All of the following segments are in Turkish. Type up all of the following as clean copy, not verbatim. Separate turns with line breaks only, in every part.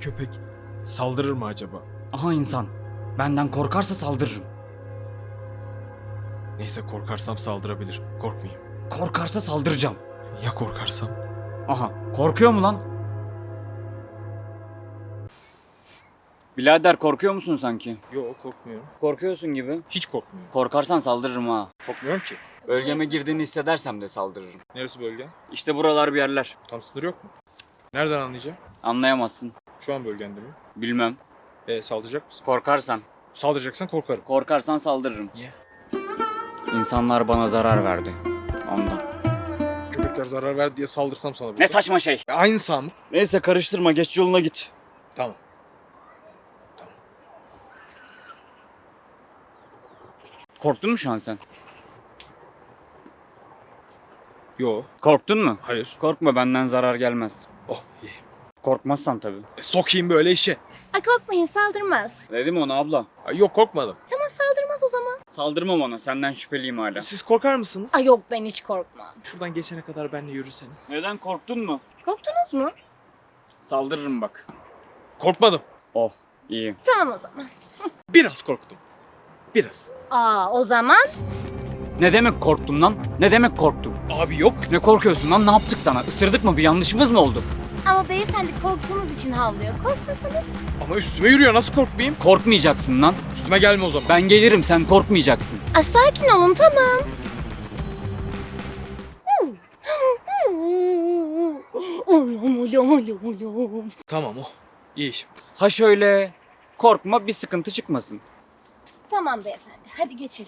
köpek saldırır mı acaba?
Aha insan. Benden korkarsa saldırırım.
Neyse, korkarsam saldırabilir. Korkmayayım.
Korkarsa saldıracağım.
Ya korkarsam?
Aha, korkuyor mu lan? Birader korkuyor musun sanki?
Yok, korkmuyorum.
Korkuyorsun gibi.
Hiç korkmuyorum.
Korkarsan saldırırım ha.
Korkmuyorum ki.
Bölgeme girdiğini hissedersem de saldırırım.
Neresi bölgen?
İşte buralar bir yerler.
Tam sınır yok mu? Nereden anlayacağım?
Anlayamazsın.
Şu an bölgende mi?
Bilmem.
Saldıracak mısın?
Korkarsan.
Saldıracaksan korkarım.
Korkarsan saldırırım.
Niye?
İnsanlar bana zarar verdi. Ondan.
Köpekler zarar verdi diye saldırsam sana.
Ne saçma şey.
Aynı sağ mı?
Neyse karıştırma, geç yoluna git.
Tamam.
Korktun mu şu an sen?
Yo.
Korktun mu?
Hayır.
Korkma, benden zarar gelmez.
Oh iyi.
Korkmazsan tabii.
Sokayım böyle işe.
Ay korkmayın, saldırmaz.
Dedim ona abla.
Ay, yok, korkmadım.
Tamam, saldırmaz o zaman.
Saldırmam ona, senden şüpheliyim hala.
Siz korkar mısınız?
Ay yok, ben hiç korkmam.
Şuradan geçene kadar benimle yürürseniz.
Neden, korktun mu?
Korktunuz mu?
Saldırırım bak.
Korkmadım.
Oh, iyi.
Tamam o zaman.
Biraz korktum. Biraz.
O zaman
Ne demek korktum lan? Ne demek korktum?
Abi yok.
Ne korkuyorsun lan? Ne yaptık sana? Isırdık mı? Bir yanlışımız mı oldu?
ama beyefendi korktuğunuz için havlıyor. Korkmasanız.
Ama üstüme yürüyor, nasıl korkmayayım?
Korkmayacaksın lan.
Üstüme gelme o zaman.
Ben gelirim, sen korkmayacaksın.
Ay sakin olun, tamam.
Tamam oh. İyi iş.
Ha şöyle. Korkma, bir sıkıntı çıkmasın.
Tamam beyefendi, hadi geçelim.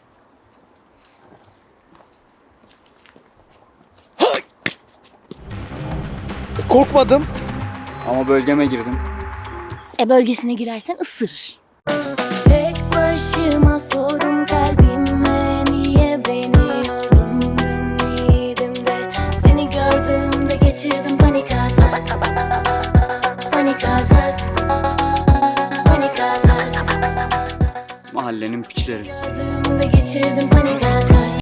Korkmadım.
Ama bölgeme girdin.
Bölgesine girersen ısırır.
Tek başıma sordum kalbime, niye beni yordun? Ümmidim de seni gördüğümde geçirdim panik atak. Panik atak. Panik atak.
Mahallenin piçleri.
Gördüğümde geçirdim panik atak.